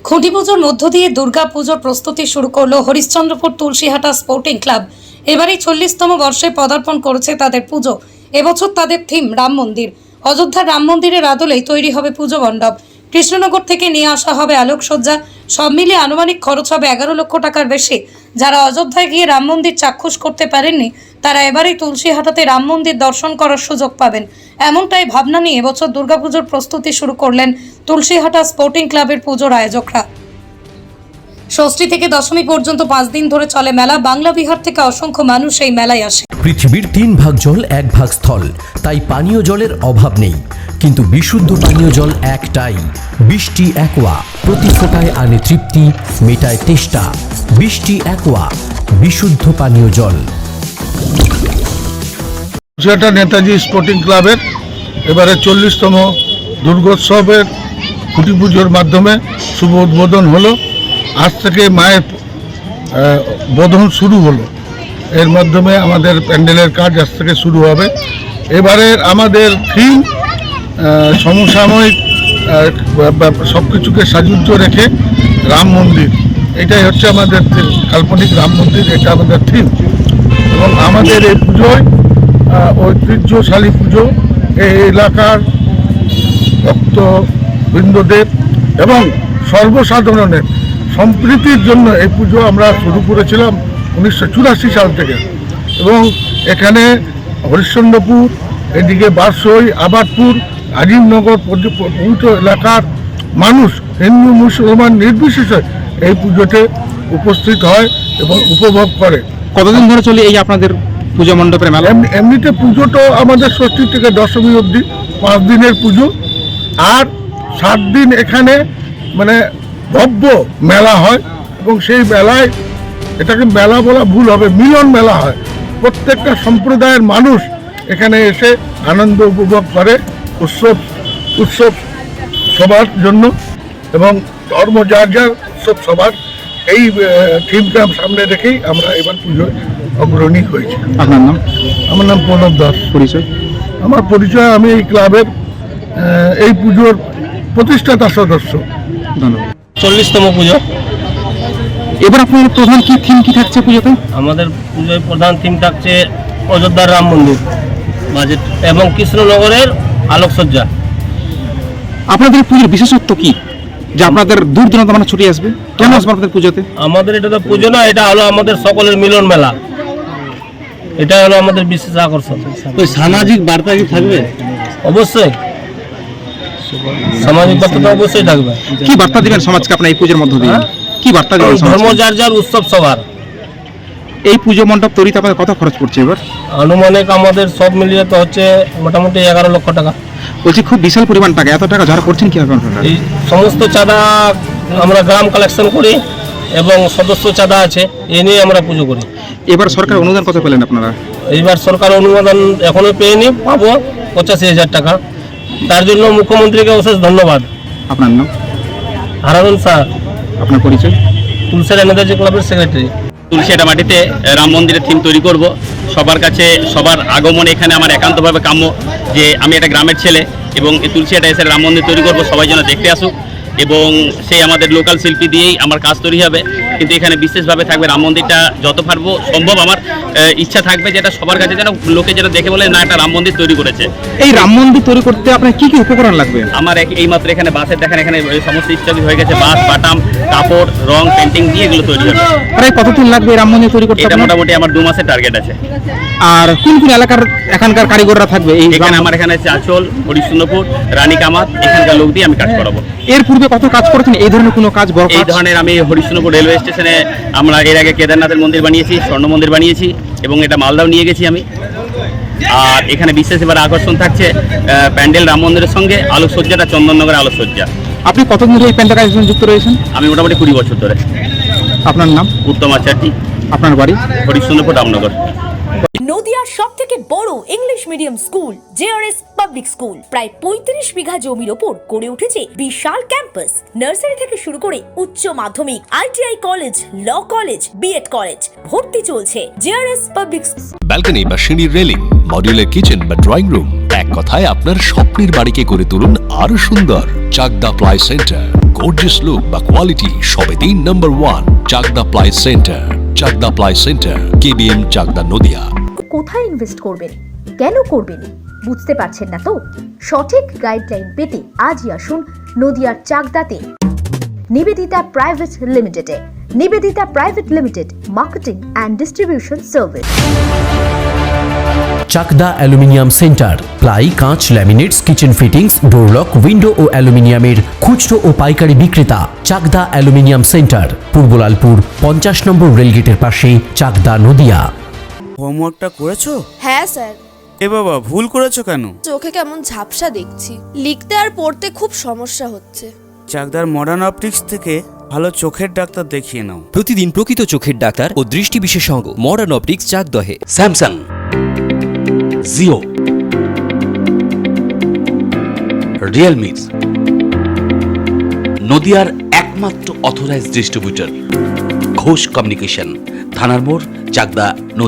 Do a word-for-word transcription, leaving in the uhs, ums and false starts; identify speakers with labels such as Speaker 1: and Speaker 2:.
Speaker 1: খুঁটি পুজোর মধ্য দিয়ে দুর্গা পুজোর প্রস্তুতি শুরু করলো হরিশ্চন্দ্রপুর তুলসীহাটা স্পোর্টিং ক্লাব। এবারই চল্লিশতম বর্ষে পদার্পণ করেছে তাদের পুজো। এবছর তাদের থিম রাম মন্দির। অযোধ্যার রাম মন্দিরের আদলেই তৈরি হবে পুজো মণ্ডপ। কৃষ্ণনগর থেকে নিয়ে আসা হবে আলোকসজ্জা। সব মিলিয়ে আনুমানিক খরচ হবে এগারো লক্ষ টাকার বেশি। যারা অযোধ্যায় গিয়ে রাম মন্দির চাক্ষুষ করতে পারেননি তারা এবারেই তুলসীহাটাতে রাম মন্দির দর্শন করার সুযোগ পাবেন। এমনটাই ভাবনা নিয়ে এবছর দুর্গাপুজোর প্রস্তুতি শুরু করলেন তুলসীহাটা স্পোর্টিং ক্লাবের পুজোর আয়োজকরা। ষষ্ঠী থেকে দশমী পর্যন্ত পাঁচ দিন ধরে চলে মেলা। বাংলা বিহার থেকে অসংখ্য মানুষ এই মেলায় আসে।
Speaker 2: পৃথিবীর তিন ভাগ জল এক ভাগ স্থল, তাই পানীয় জলের অভাব নেই। কিন্তু বিশুদ্ধ পানীয় জল একটাই, বৃষ্টি অ্যাকোয়া। প্রতি ফোঁটায় আনে তৃপ্তি, মেটায় তেষ্টা। বৃষ্টি অ্যাকোয়া, বিশুদ্ধ পানীয় জল।
Speaker 3: সেটা নেতাজি স্পোর্টিং ক্লাবের এবারে চল্লিশতম দুর্গোৎসবের খুঁটি পুজোর মাধ্যমে শুভ উদ্বোধন হলো। আজ থেকে মায়ের বোধন শুরু হলো। এর মাধ্যমে আমাদের প্যান্ডেলের কাজ আজ থেকে শুরু হবে। এবারের আমাদের থিম সমসাময়িক সব কিছুকে সাজুজ্য রেখে রাম মন্দির। এটাই হচ্ছে আমাদের কাল্পনিক রাম মন্দির, এটা আমাদের থিম। এবং আমাদের এই পুজোয় ঐতিহ্যশালী পুজো, এই এলাকার ভক্তবৃন্দদের এবং সর্বসাধারণের সম্প্রীতির জন্য এই পুজো আমরা শুরু করেছিলাম উনিশশো চুরাশি সাল থেকে। এবং এখানে হরিশ্চন্দ্রপুর, এদিকে বারসই, আবাদপুর, আজিমনগর পবিত্র এলাকার মানুষ হিন্দু মুসলমান নির্বিশেষে এই পুজোতে উপস্থিত হয় এবং উপভোগ করে।
Speaker 4: কতদিন ধরে চলে এই আপনাদের পুজো মণ্ডপের মেলা?
Speaker 3: এমনিতে পুজো তো আমাদের ষষ্ঠী থেকে দশমী অবধি পাঁচ দিনের পুজো, আর সাত দিন এখানে মানে ভব্য মেলা হয়। এবং সেই মেলায়, এটাকে মেলা বলা ভুল হবে, মিলন মেলা হয়। প্রত্যেকটা সম্প্রদায়ের মানুষ এখানে এসে আনন্দ উপভোগ করে উৎসব উৎসব সবার জন্য, এবং ধর্ম যার যার উৎসব সবার। এই থিমটা সামনে রেখেই আমরা এবার পুজোয় অগ্রণী হয়েছি।
Speaker 4: আপনার নাম?
Speaker 3: আমার নাম প্রণব দাস।
Speaker 4: পরিচয়?
Speaker 3: আমার পরিচয়, আমি এই ক্লাবের এই পুজোর প্রতিষ্ঠাতা সদস্য।
Speaker 4: ধন্যবাদ।
Speaker 5: চল্লিশতম পুজো।
Speaker 4: এবার আপনাদের প্রধান কি থিম কি থাকছে পুজোতে?
Speaker 5: আমাদের পুজোয় প্রধান থিম থাকছে অযোধ্যার রাম মন্দির বাজেট এবং কৃষ্ণনগরের আলোকসজ্জা।
Speaker 4: আপনাদের পুজোর বিশেষত্ব কি, যে আপনাদের দূর দূরান্ত মানে ছুটে আসবে? কেন আসবে আপনাদের পুজোতে?
Speaker 5: আমাদের এটা তো পুজো না, এটা হলো আমাদের সকলের মিলন মেলা। এটা হলো আমাদের বিশেষ আকর্ষণ।
Speaker 6: ওই সামাজিক বার্তা কি থাকবে?
Speaker 5: অবশ্যই সামাজিক বার্তা তো অবশ্যই থাকবে।
Speaker 4: কি বার্তা দিবেন সমাজকে আপনার এই পুজোর মধ্য দিয়ে? কি বার্তা দিবেন?
Speaker 5: ধর্ম যার যার, উৎসব সবার।
Speaker 4: এই পুজো মণ্ডপ তৈরিতে আপনাদের কত খরচ পড়ছে এবার?
Speaker 5: আনুমানিক আমাদের সব মিলিয়ে তো হচ্ছে মোটামুটি এগারো লক্ষ টাকা।
Speaker 4: বলছি খুব বিশাল পরিমাণ টাকা, এত টাকা যারা করছেন কি আপনারা?
Speaker 5: এই সমস্ত চাঁদা আমরা গ্রাম কালেকশন করি এবং সদস্য চাঁদা আছে, এ নিয়ে আমরা পুজো করি।
Speaker 4: এবার সরকার অনুদান কত পেলেন আপনারা?
Speaker 5: এইবার সরকার অনুমোদন এখনো পেয়েনি, পাবো পঁচাশি হাজার টাকা। তার জন্য মুখ্যমন্ত্রীকে অশেষ ধন্যবাদ।
Speaker 4: আপনার নাম?
Speaker 5: হারানুন শাহ।
Speaker 4: আপনার পরিচয়?
Speaker 5: তুলসীহাটা নেতাজি ক্লাবের সেক্রেটারি।
Speaker 6: তুলসীহাটা মাটিতে রাম মন্দিরের থিম তৈরি করব। সবার কাছে সবার আগমন এখানে আমার একান্তভাবে কাম্য, যে আমি একটা গ্রামের ছেলে এবং এই তুলসীহাটা এসে রাম মন্দির তৈরি করব, সবাই যেন দেখতে আসুক। এবং সেই আমাদের লোকাল শিল্পী দিয়েই আমার কাজ তৈরি হবে। কিন্তু এখানে বিশেষভাবে থাকবে রাম মন্দিরটা, যত পারবো সম্ভব আমার ইচ্ছা থাকবে যেটা সবার কাছে যেন লোকে যেন দেখে বলে না একটা রাম মন্দির তৈরি করেছে।
Speaker 4: এই রাম মন্দির তৈরি করতে আপনার কি কি উপকরণ লাগবে?
Speaker 6: আমার এইমাত্র এখানে বাসের দেখেন, এখানে সমস্ত স্টপেজ হয়ে গেছে, বাস, বাটাম, কাপড়, রং, পেন্টিং দিয়ে এগুলো তৈরি হবে।
Speaker 4: প্রায় কতদিন লাগবে রাম মন্দির তৈরি করতে?
Speaker 6: এটা মোটামুটি আমার দু মাসের টার্গেট আছে।
Speaker 4: আর কোন কোন এলাকার এখানকার কারিগররা থাকবে? এই
Speaker 6: এখানে আমার এখানে আছে আচল, হরিশ্চন্দ্রপুর, রানী কামাত, এখানকার লোক দিয়ে আমি কাজ করাবো।
Speaker 4: এর পূর্বে কত কাজ করেছেন এই ধরনের কোনো কাজ? বড়
Speaker 6: এই ধরনের আমি হরিশ্চন্দ্রপুর রেলওয়ে স্টেশনে আমরা এর আগে কেদারনাথের মন্দির বানিয়েছি, স্বর্ণ মন্দির বানিয়েছি এবং এটা মালদাও নিয়ে গেছি আমি। আর এখানে বিশেষ এবার আকর্ষণ থাকছে প্যান্ডেল রাম মন্দিরের সঙ্গে আলোকসজ্জাটা চন্দননগরের আলোকসজ্জা।
Speaker 4: আপনি কতদিন ধরে এই প্যান্ডেল কাজের সঙ্গে যুক্ত রয়েছেন?
Speaker 6: আমি মোটামুটি কুড়ি বছর ধরে।
Speaker 4: আপনার নাম?
Speaker 6: উত্তম আচার্য।
Speaker 4: আপনার বাড়ি?
Speaker 6: হরিশ্চন্দ্রপুর, রামনগর।
Speaker 7: নদিয়ার সবথেকে বড় English medium school JRS public school প্রায় পঁয়ত্রিশ বিঘা জমির ওপর গড়ে উঠেছে বিশাল ক্যাম্পাস। নার্সারি থেকে শুরু করে উচ্চ মাধ্যমিক, ITI college, law college, BEd college, ভর্তি চলছে। জেআরএস পাবলিক
Speaker 8: ব্যালকনি বা সিঁড়ির রেলিং, মডিউলার কিচেন বা ড্রয়িং রুম, এক কথায় আপনার স্বপ্নের বাড়িকে করে তুলুন আরো সুন্দর। Chakdah ply centre, gorgeous look বা কোয়ালিটি সবে তিন number one. Chakdah ply centre, Chakdah ply centre, KBM, Chakdah, Nadia.
Speaker 7: কোথায় ইনভেস্ট করবেন, কেন করবেন, বুঝতে পারছেন না তো? সঠিক গাইডলাইন পেতে আজই আসুন নদিয়ার চাকদাতে নিবেদিতা প্রাইভেট লিমিটেডে। Nivedita private limited, marketing and distribution service.
Speaker 2: Chakdah aluminium centre, ply, কাঁচ, laminates, kitchen fittings, door lock, window ও অ্যালুমিনিয়ামের খুচরো ও পাইকারি বিক্রেতা। চাকদা অ্যালুমিনিয়াম সেন্টার, পূর্বলালপুর, পঞ্চাশ নম্বর রেলগেটের পাশে, চাকদা, নদিয়া।
Speaker 9: হোমওয়ার্কটা করেছো?
Speaker 10: হ্যাঁ স্যার।
Speaker 9: এ বাবা, ভুল করেছো কেন?
Speaker 10: চোখে কেমন ঝাপসা দেখছি, লিখতে আর পড়তে খুব সমস্যা হচ্ছে।
Speaker 9: চাকদার মডার্ন অপটিক্স থেকে ভালো চোখের ডাক্তার দেখিয়ে নাও।
Speaker 11: প্রতিদিন প্রকৃত চোখের ডাক্তার ও দৃষ্টি বিশেষজ্ঞ মডার্ন অপটিক্স, চাকদহে।
Speaker 12: স্যামসাং, জিও, রিয়েলমি, নদিয়ার একমাত্র অথরাইজড ডিস্ট্রিবিউটর ঘোষ কমিউনিকেশন, থানার মোড়, চাকদা।